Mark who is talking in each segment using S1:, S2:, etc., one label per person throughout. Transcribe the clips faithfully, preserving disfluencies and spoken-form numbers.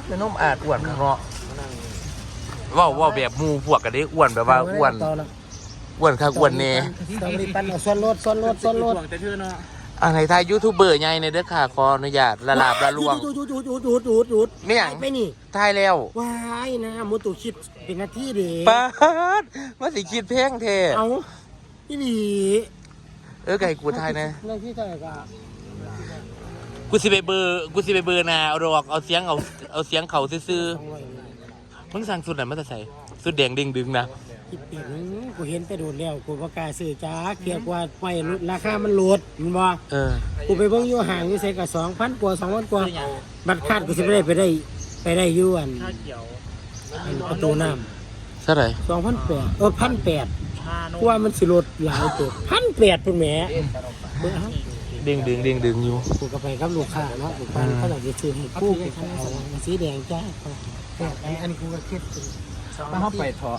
S1: แม่นมอาจอ้วนเนาะว่าว่าแบบมูพวกกันได้อ้วนแบบว่าอ้วนอ้วนค่ะอ้วนเน่
S2: ต้องรีบปั้นเอาส่วนลดส่วนลดส่วนลด
S1: อะไรทายยูทูบเบอร์ใหญ่ในเด้อค่ะขออนุญาตละลาบละลวง
S2: หยุดหยุดหยุดหยุดหยุดหยุด
S1: ไม่อย่าง
S2: ไปนี่
S1: ทายแล้ว
S2: ว้ายนะมุตุคิดเป็นหน้าที่เด็ก
S1: ป้าดมาสิคิดเพลงเท
S2: เอาพี่หลี
S1: เออไก่กูทายนะ
S2: หน้าที่เท่าไหร่ก็
S1: กูสิไปเบอร์กูสิไปเบอร์นาเอาดอกเอาเสียงเอาเอาเสียงเขาซื่อๆมึงสั่งสุดไหนมาจะใส่สุดแดงดิ่งดึงนะ
S2: คิดเปลี่ยนกูเห็นแต่โดดแล้วกูประกาศซื้อจ้าเกียกว่าไปราคามันลดมันบ่
S1: เออ
S2: กูไปเบิ่งอยู่ห่างอยู่ใส่กับสองพันกว่าสองพันกว่าบัตรคาดกูสิไปได้ไปได้ไปได้อยู่อันประตูน้
S1: ำเท่าไหร่
S2: สองพันแปดเออพันแปดกูว่ามันสิลดหลายตัวพันแปดเป็นแหม
S1: เด้งดึงเด้งดึงอยู่
S2: กูก็ไปกับลูกค้าเนาะลูกค้าเขาอยากจะซื้อให้คู่กูเอาสีแดงจ้าอันอันกูก็คิด
S3: มาเข้าไปเถอะ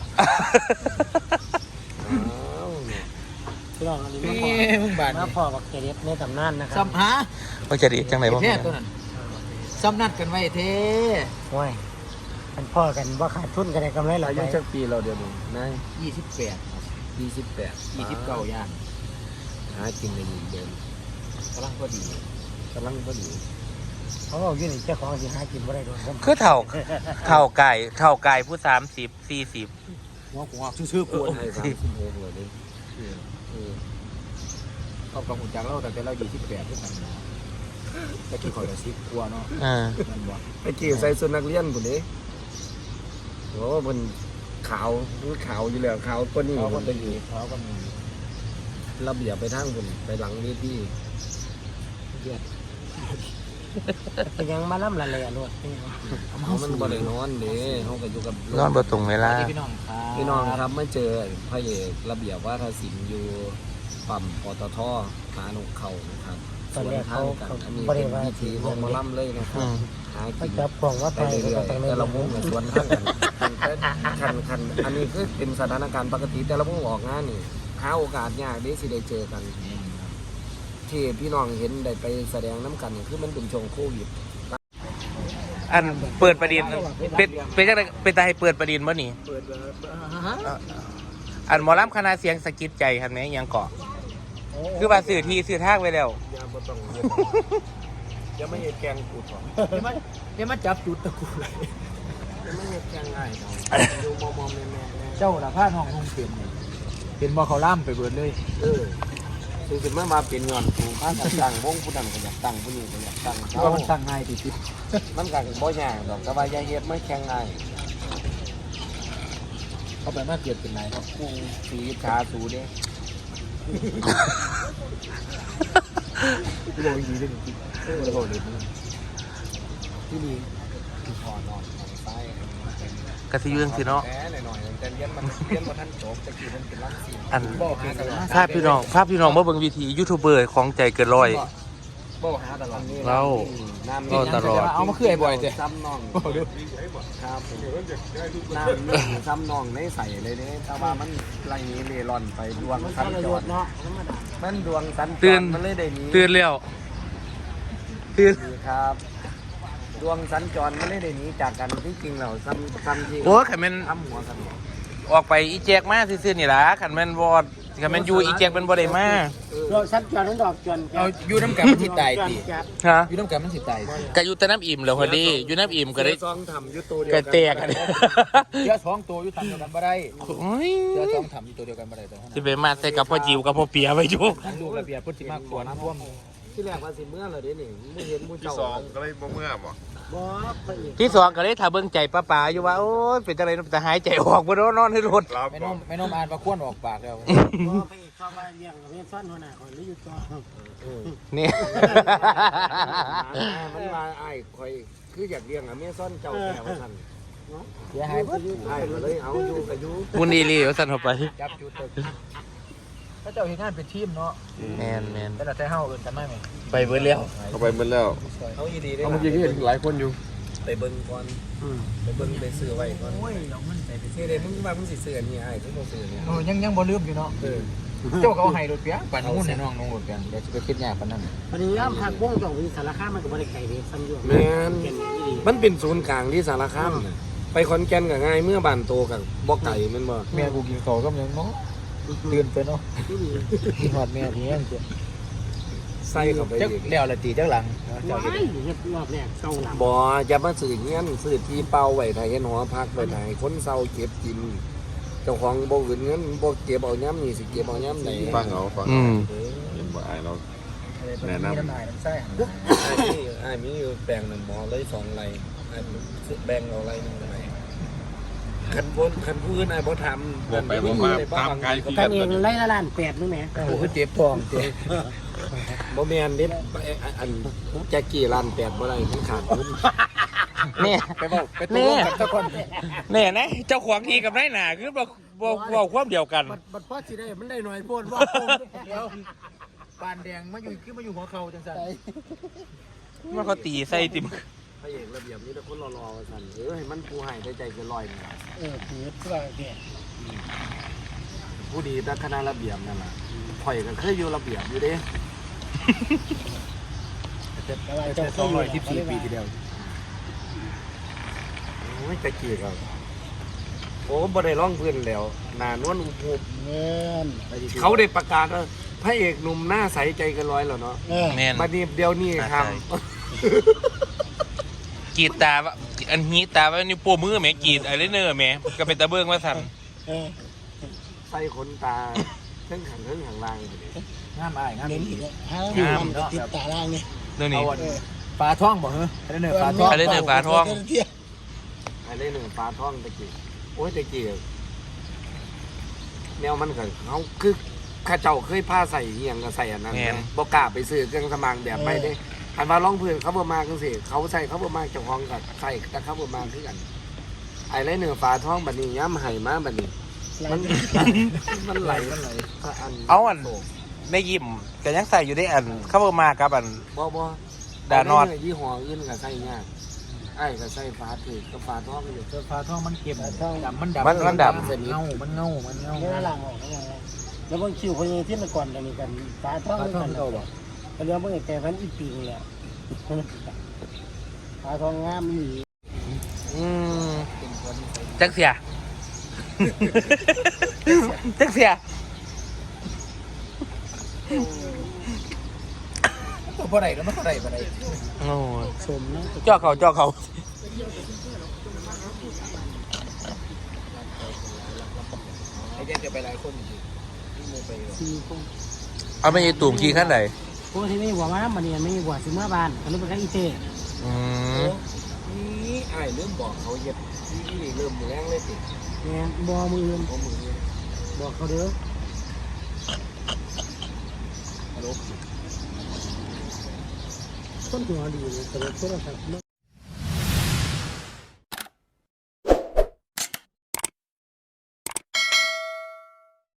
S2: ลองอันนี้มาพอมาพอกับเกเรในตำนานนะครับ
S3: ซ้ำฮะ
S1: ว่าจะดีจังไหนบ้าง
S3: เท่ตัวนั้นซ้ำนัดกันไว้เท่
S2: โอ้ยมันพ่อกันว่าขาดทุนกันได้กำไรหลาย
S3: อายุสักปีเราเดียวนึงนะยี่สิบแปดยี่สิบแปดยี่สิบเก้าย่างหาจริงในหนึ่งเดือนกำลังพอดีกำลังพอดี
S2: เขาบอกยื่นเจ้าของสิหากินบ่ได้โดน
S1: คือเท่าเท่าไก่เท่าไก่ผู้สามสิบสี่สิบ
S3: หัวหัวชื่อๆกวนให้สามสิบหกเลยนี่เขากำหุ่นจังเราแต่เรายี่สิบแปดที่ผ่านมาตะกี้คอยจะซิกกลัวเนาะ
S2: ตะกี้ใส่สุนัขเลี้ยงคนนี้โอ้มันขาวมันขาวอยู่แล้วขาวก็นี่
S3: เขาก็เป็นอยู่เขาก็มี
S2: ระเบียบไปทางคนไปหลังเวทีเป็นยังมาล่ำละเลยอ่ะลูกเขามันบ่ได้นอนเด้เขาก็อยู่กับ
S1: นอนบ่ตรงเวลา
S3: พี่น้องครับ
S2: พี่น้องครับไม่เจอพระเอกระเบียบว่าทศิลป์อยู่ปั๊มปตทหาหนุเขานะครับส่วนทางกันอันนี้เป็นวิธีของมาล่ำเลยนะครับหากินจับของว่าไปเรื่อยๆแต่ละมุ้งในส่วนทางกันคันคันอันนี้คือเป็นสถานการณ์ปกติแต่ละมุ้งออกงานนี่หาโอกาสยากได้สิได้เจอกันที่พี่น้องเห็นได้ไปแสดงน้ำกันคือมันเป็นช่วงโควิด
S1: อันเปิดประเด็นเป็นเป็นจังไดเป็นตาให้เปิดประเด็นบ่นี่อันหมอลำคณะเสียงสะกิดใจคันแม่ยังเกาะคือว่าสื่อที่สื่อทางไว้แล้ว
S2: อย่าบ่ต้องอย่าไม่เห็นแกงกูถอน
S3: อย่ามาอย่ามาจับจุดตะกูเลย
S2: อย่าไม่เห็นแกงง่ายดูมอมๆแม่
S3: ๆเจ้าละผ้าทองคงเปลี่ยนเป็นบ่เขาล่ำไปเบิดเลย
S2: เออคือสิมามาเป็นงอนกูข้าจะตั้งวงผู้นั้นก็อยากตั้งผู้นี้ก็อยากตั้ง
S3: เพราะมันตั้งง่ายติด
S2: ๆมันก็บ่ยากดอกแต่ว่าอย่าเฮ็ดไม่แข็งง่าย
S3: เขาไปมาเกิดเป็นไหนครับ
S2: กูสีขาสูเด้
S3: กูบอกดีเลยจริงเออบอกเลย
S2: ที่นี่คือพอนอนนอนซ้าย
S1: กระซิยุ่งสิเนาะ
S2: หน่อยๆแต่เลี้ยนมันเลี้ยนมันทันจบแต่กี่มันเป็นลักษี
S1: อันภาพพี่น้องภาพพี่น้องเมื่อเบิ่งวิธียูทูบเบอร์ของใจเกินร้อย
S2: โบ้หาตลอด
S1: เราก็ตลอด
S3: เอามาคือไอ้บ่อยจ้ะ
S2: ซ้ำนองครับน้ำซ้ำนองในใส่เลยเนี่ยแต่ว่ามันไรนี้เมลอนไปดวงสันจอดมันดวงสันจอดมันเลยได้นี้
S1: ตื่นเร็วตื่น
S2: ครับดวงสัญจรไม่ได้หนีจากกันที่จริงเราซ้ำซ้ำที่
S1: โอ้ขันมัน
S2: ทำหัวกัน
S1: ออกไปอีแจกมาซื่อๆนี่ล่ะขันมันวอดขันมันอยู่อีแจกเป็นบ่ได้มา
S2: ดวงสัญจรนั้นดอกจน
S3: เอาอยู่น้ำกันมันสิตายติ
S1: ฮะ
S3: อยู่น้ำกันมันสิตาย
S1: ก็อยู่แต่น้ำอิ่มแล้วพอดีอยู่น้ำอิ่มก็ได้
S2: ซองทำอยู่ตัวเดียว
S1: ก็แตกกัน
S3: เยอะสองตัวอยู่ทำเดียวกันบ่ได้เยอะสองทำอยู่ตัวเดียวกันบ่ได้แต่
S1: ที่ไปมาใส่กับพ่อจิ๋วกับพ่อเปียไปอยู่
S3: ลูกระเบียบพุทธิมากกว่าน้ำท่วม
S2: ที่แรกว่าสิเมื่อเลยเด้นี่ไม่เห็นมูเจ้า
S4: ที่สองก็เลยบ่เมื่อบ่
S1: ที่สองก็เลยถ้าเบิ่งใจป้าป๋าอยู่ว่าโอ้ยเป็นจังได๋แต่หายใจออกบ่โดนนอนให้รถ
S3: ไม่นมไม่นมอ่านประควนออกปากแล้ว
S2: บ่ไปเข้ามาเลี้ยงกับเมียซ่อนหัวหน้าคนนี้อยู่ต่อ
S1: นี่
S2: มันมาอ้ายข่อยคืออยากเลี้ยงกับเมียซ่อนเจ้าแก่ว่าซั่น
S3: เสียหายเบิด
S2: อ้ายก็เลยเอาอยู่ก็อยู่
S1: มุนอีหลีว่าซั่นเข้าไป
S3: จับจุดตึกถ้าเจ้าเฮ็ดงานเป็นทีมเนาะ
S1: แม่นๆ
S3: แต่ละแต่เฮาเอิ้นกันมาแม่
S1: ไปเบิดแล้ว
S4: เขาไปเบิดแล้ว
S2: เอาอีดีได้
S4: เมื่อกี้เห็นหลายคนอยู่
S2: ไปเบิ่งก่อนไปเบิ่งไปซื้อไว้ก่อนโอ้ยเอาเงินไปซื้อได้มึงว่ามึงสิซื้ออันนี้อ้ายคือบ่ซื้อเนี่ย
S3: โอ้ยังยังบ่ลืมอยู่เนาะ
S2: เออ
S3: เจ้าก็เอาให้รถเปียปั่นมุ่นให้น้องน้องรถเปียเดี๋ยวจะไปคิดยากปานนั้น
S5: วันนี้ย่ามผักบ้งจากวิสารคามมันก็บริไก่เด็กซ้ำอยู่
S2: แม่น
S5: แก่นนี่ดี
S2: มันเป็นศูนย์กลางที่สารคามน่ะไปขอนแก่นก็ง่ายเมื่อบ้านโตกับบ่ไก่แม่นบ่
S3: แม่กูกินข้าวก็ยังเนาะตื่นไปเนาะ
S5: ที่ดี
S3: กินฮอดแม่เที่ยงจ้ะ
S2: ใส่เข้าไป
S3: จัก
S2: อีก
S3: แล้วละตีจักหลัง
S5: ว้ายเฮ็ดรอบแรกเศร้าหลัง
S2: บ่อย่ามาซื้อเงี้ยนซื้อที่เป่าไว้ไทยเฮ็ดหอพักไว้ไทยคนเซาเก็บกินเจ้าของบ่อื่นเงินบ่เก็บเอาย้ำนี่สิเก็บเอาย้ำไหน
S4: ฟังเอาฟัง
S1: อื
S4: เอา
S1: ม
S4: เห็นบ่อายเรา แนะนำ
S3: มีน้ำลายน้ำไส้
S2: อ้ายมีอ้ายมีอยู่แปลงหนึ่งหมอเลยสองไร่อ้ายแบ่งเอาไร่หนึงไร่คันบ่คันผู้อื่นอ้ายบ่ทำ
S4: บ่ไปบ่มาตามกายที่
S5: ท่านเองไล่ละล้านแปดนึงแหม
S3: โอ้โหเจ็บท้องเจ็บ
S2: บ่แม่นเด็ดอันแจ็คกี้ล้านแปดบ่ได้มันขาดทุน
S1: เนี่ย
S3: ไปบอกไปตัวกับตะคน
S1: เนี่ยนะเจ้าของทีกับนายหนาคือบอกบอกบอกความเดียวกัน
S5: บัดบัดพ่อสิได้มันได้หน่อยโพดว่า
S3: เดี๋ยวปานแดงมาอยู่ขึ้นมาอยู่หัวเข่าจังสัน
S1: มันเขาตีใส่ติม
S2: พระเอกระเบียบนี้แต่คนรอๆว่าซั่นเออให้มันผู้ให้ได้ใจเกินร้อยนี่ล่ะ
S5: เออถือว่าแก่
S2: ผู้ดีแต่คณะระเบียบนั่นล่ะข่อยก็เคยอยู่ระเบียบอยู่เด้
S5: อะไร
S3: แต่
S5: เจ้า
S3: สองร้อยสิบสี่ปีทีเดียว
S2: โอ้ยตะกี้ก็โอ้บ่ได้ร้องเพื่อนแล้วหน้านวลอุบอุบ
S5: เงิน
S2: เขาได้ประกาศว่าพระเอกหนุ่มหน้าใสใจเกันร้อยแล้วเนาะ
S5: เออ
S1: แม่น
S2: บัดนี้เดี๋ยวนี้ครับ
S1: กรีดตาว่าอันนี้ตาว่านี่วโป้มือแหม่กรีดอะไรเนอร์แหม่ก็เป็นตะเบิ้งว่าสั่น
S5: เออ
S2: ใส่ขนตาเทั้งขังเทั้งขังล่างอยู่ดิ
S3: งามอายงาม
S5: เน้น
S3: ดี
S5: อีกแล้วห้ามันติดตาล่างนี่
S1: เรื่องนี้
S3: เอาปลาท่องบอกเหรอไอ้เนื้อปลาท่อง
S1: อะไรเนอร์ปลาทอง
S2: ไอ้เล่นหนึ่งฟ้าท้องตะกี้โอ้ยตะกี้แนวมันก็เขาคือข้าเจ้าเคยผ้าใส่เหียงก็ใส่อันนั้นนะบ่กล้าไปซื้อเครื่องสมางแบบไม่ได้อันว่าร้องเพื่อนเขาบ่มาจังซี่เขาใส่เขาบ่มาเจ้าของก็ใส่แต่เขาบ่มาคือกัน ไอ้เล่นหนึ่งฟ้าท้องบัดนี้ย้ำไห้มาบัดนี้ มันมันไหลมันไหลอัน
S1: เอาอันได้ยิ้มก็ยังใส่อยู่ได้อันเข้ามากับอัน
S2: บ่บ่
S1: ดานอด
S2: ยี่ห้ออื่นก็ใส่ยากไอ้ก็ใส่ฟ้าถือกับฟ้าท้องอยู่
S3: ปลาท่องมันเก็บดำมันดำ
S1: มันมันด
S3: มันเงามันเงามันเงา
S5: เนื้อล่างออกแล้วบางคิวพยที่มาก่อนกันนี่กันตาท้อง
S3: ปลาท่อง
S5: กัน
S3: เก่าบ่
S5: ก็เรื่องบางแก่พันอีปีนี่แหละตาท้องงามมี
S1: อืมจักเสีย จักเสีย
S3: ตัวบ่ได้แล้วมันก็ได้บ่ได้
S1: โอ้ย
S5: สมนะ
S1: จ่อเขาจ่อเขา
S3: ไอ้เจ๊จะไปหลายคนอยู่นี่ไป
S5: สี่คน
S1: เอาไม่ยีตุ่มขี้ขั้นไหน
S5: พวกที่ไม่หัวมามันเนี่ยไม่หัวสิเมื่อบานก็รู้เป็นกันอีเต้
S1: อืม
S2: นี่ไอ้เริ่มบอกเขาเย็บนี่เริ่มแรงเลยติ
S5: เนี่ยบอมือ
S2: เขามือ
S5: บอกเขาเด้อต้นหัวดีเลยแต่ว่าโทรศัพท์